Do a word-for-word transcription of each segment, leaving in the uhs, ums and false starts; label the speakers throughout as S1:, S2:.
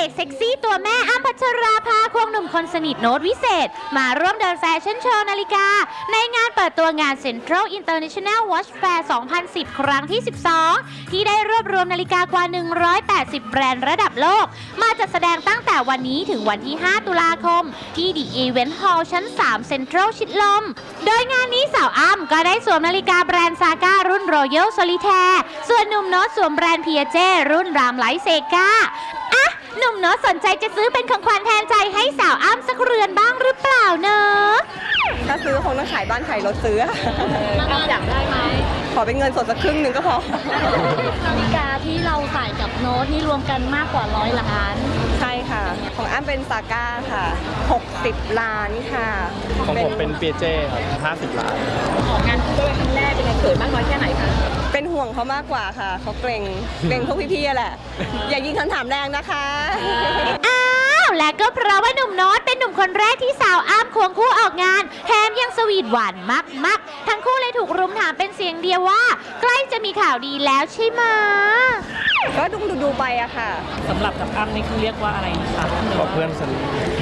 S1: อกเซ็กซี่ตัวแม่อ้ำพัชราภาควงหนุ่มคนสนิทโน้ตวิเศษมาร่วมเดินแฟชั่นโชว์นาฬิกาในงานเปิดตัวงาน Central International Watch Fair สองพันสิบ ครั้งที่ สิบสอง ที่ได้รวบรวมนาฬิกากว่า หนึ่งร้อยแปดสิบ แบรนด์ระดับโลกมาจัดแสดงตั้งแต่วันนี้ถึงวันที่ ห้า ตุลาคมที่ The Event Hall ชั้น สาม Central ชิดลมโดยงานนี้สาวอ้ำก็ได้สวมนาฬิกาแบรนด์ซาก้ารุ่น Royal Solitaire ส่วนหนุ่มโน้ตสวมแบรนด์ พี เอ เจ รุ่นรามไลท์เซกาอ่ะหนุ่มโน้ตสนใจจะซื้อเป็นของขวัญแทนใจให้สาวอ้ำสักเรือนบ้างหรือเปล่าเนอะ
S2: ถ้าซื้อคงต้องขายบ้านขายรถซื้อ
S3: อ้ำอยากได้ไหม
S2: ขอเป็นเงินสดสักครึ่งหนึ่งก็พอ
S3: นาฬิกาที่เราใส่กับโน้ตนี่รวมกันมากกว่าร้อยล้าน
S2: ใช่ค่ะ ของอ้ำเป็นซาก้าค่ะ หกสิบ ล้านค่ะ
S4: ของผมเป็นเปียเจ้ครับห้าสิบล้าน
S3: ของงานคู่ด้วยครั้งแรกเป็นไงเขินมากน้อยแค่ไหนคะ
S2: เป็นห่วงเขามากกว่าค่ะ เขาเกรงเกรงพวกพี่ๆแหละ อย่ายิงคำถามแรงนะคะ
S1: อ้าวและก็เพราะว่าหนุ่มโน้ตเป็นหนุ่มคนแรกที่สาวอ้ำควงคู่ออกงานแถมยังสวีทหวานมากๆทั้งคู่เลยถูกรุมถามเป็นเสียงเดียวว่า ใกล้จะมีข่าวดีแล้วใช่ไหม
S2: ก็ดูดูดูไปอะค่ะ
S5: สำหรับกับอ้ำนี่คือเรียกว่าอะไรนะคะ
S4: ก็เพื่อนสนิท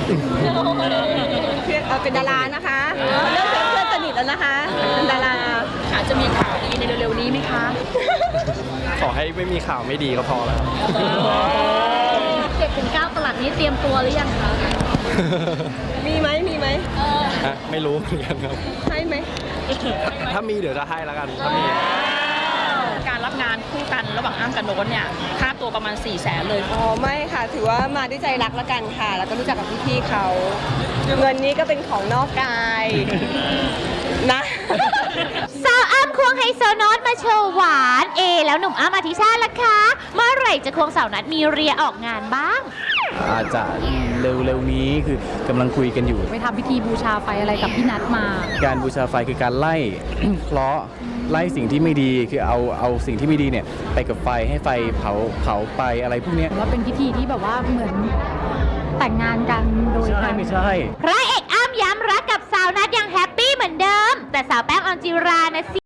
S2: เพื่อนเอ่อเป็นดารานะคะเรื่องเพื่อนสนิทแล้วนะคะเป็นดารา
S3: อาจจะมีข่าวดีในเร็วๆนี้ไหมคะ
S4: ขอให้ไม่มีข่าวไม่ดีก็พอแล้ว
S3: เจ็ดถึงเก้าตลาดนี้เตรียมตัวหรือยังคะ
S2: มีไหมมีไหม
S4: ฮะไม่รู้เหมือนกันครับ
S2: ให้ไหม
S4: ถ้ามีเดี๋ยวจะให้แล้วกันถ้ามี
S5: การรับงานคู่กันระหว่างอ้ำกับโน้ตเนี่ยค่าตัวประมาณ4ี่แสนเลย
S2: อ๋อไม่ค่ะ ถือว่ามาด้วยใจรักแล้วกันค่ะ แล้วก็รู้จักกับพี่ๆเขา เงินนี้ก็เป็นของนอกกายนะ
S1: สาวอ้ำควงไฮโซโน้ตมาโชว์หวานเอแล้วหนุ่มอ้ำอธิชาติล่ะคะเมื่อไหร่จะควงสาวนัดมีเรียออกงานบ้าง
S6: อาจจะเร็วๆนี้คือกำลังคุยกันอยู่
S7: ไปทำพิธีบูชาไฟอะไรกับพี่นัทมา
S6: การบูชาไฟคือการไล่ เคราะห์ไล่สิ่งที่ไม่ดีคือเอาเอาสิ่งที่ไม่ดีเนี่ยไปกับไฟให้ไฟเผาเผาไปอะไรพวกเนี้ย
S7: ว่าเป็นพิธีที่แบบว่าเหมือนแต่งงานกันโดย
S6: ใช่ไม่ใช่
S1: พระเอกอ้ำย้ำรักกับสาวนัดยังแฮปปี้เหมือนเดิม แต่สาวแป้งออนจิรานะสิ